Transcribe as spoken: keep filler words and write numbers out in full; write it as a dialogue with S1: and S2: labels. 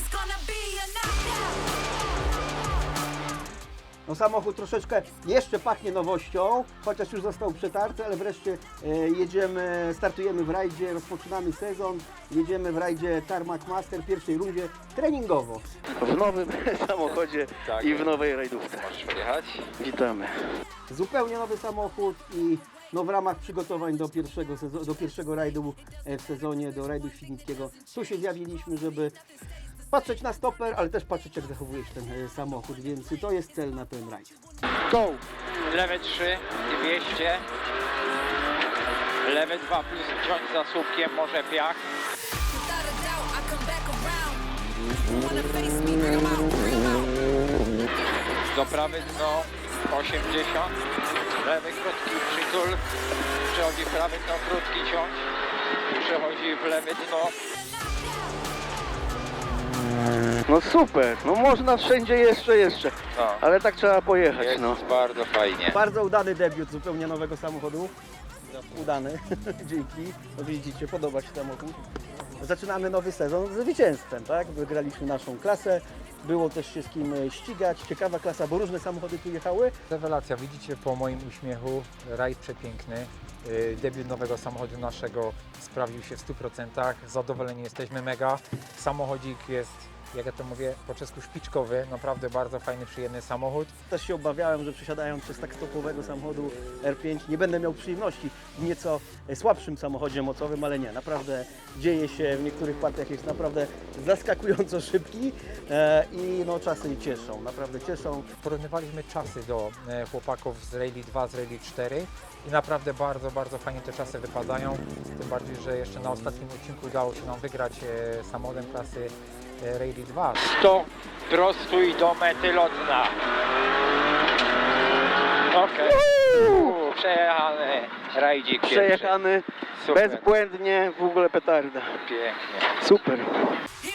S1: No samochód troszeczkę jeszcze pachnie nowością, chociaż już został przetarty, ale wreszcie e, jedziemy, startujemy w rajdzie, rozpoczynamy sezon, jedziemy w rajdzie Tarmac Master w pierwszej rundzie treningowo.
S2: W nowym samochodzie
S3: Tak.
S2: i w nowej rajdówce.
S3: Możesz podjechać?
S2: Witamy.
S1: Zupełnie nowy samochód i no, w ramach przygotowań do pierwszego, sezo- do pierwszego rajdu e, w sezonie, do rajdu świdnickiego, tu się zjawiliśmy, żeby patrzeć na stoper, ale też patrzeć, jak zachowuje się ten e, samochód, więc to jest cel na ten rajd.
S2: Go!
S3: Lewe trzy, dwieście. Lewe dwa plus ciąć za słupkiem, może piach. Do prawy dno osiemdziesiąt. Lewy krótki przytul. Przechodzi w prawy dno krótki ciąć. Przechodzi w lewe dno.
S2: No super, no można wszędzie jeszcze, jeszcze.
S3: No.
S2: Ale tak trzeba pojechać,
S3: Jest
S2: no.
S3: bardzo fajnie.
S1: Bardzo udany debiut zupełnie nowego samochodu. Udany, dzięki. No widzicie, podoba się samochód. Zaczynamy nowy sezon z zwycięstwem, tak? Wygraliśmy naszą klasę. Było też się z kim ścigać. Ciekawa klasa, bo różne samochody tu jechały.
S4: Rewelacja, widzicie po moim uśmiechu, rajd przepiękny. Yy, Debiut nowego samochodu naszego sprawdził się w stu procentach. Zadowoleni jesteśmy mega. Samochodzik jest, jak ja to mówię, po czesku szpiczkowy. Naprawdę bardzo fajny, przyjemny samochód.
S1: Też się obawiałem, że przesiadając przez tak stopowego samochodu R pięć nie będę miał przyjemności w nieco słabszym samochodzie mocowym, ale nie, naprawdę dzieje się w niektórych partiach, jest naprawdę zaskakująco szybki e, i no czasy cieszą, naprawdę cieszą.
S4: Porównywaliśmy czasy do e, chłopaków z Rally dwa, z Rally cztery i naprawdę bardzo, bardzo fajnie te czasy wypadają. Tym bardziej, że jeszcze na ostatnim odcinku udało się nam wygrać e, samochodem klasy e, Rally dwa.
S3: sto prostuj do mety lotna. Okej. Okay. Przejechany rajdzik pierwszy.
S2: Przejechany
S3: Super.
S2: bezbłędnie, w ogóle petarda.
S3: Pięknie.
S2: Super.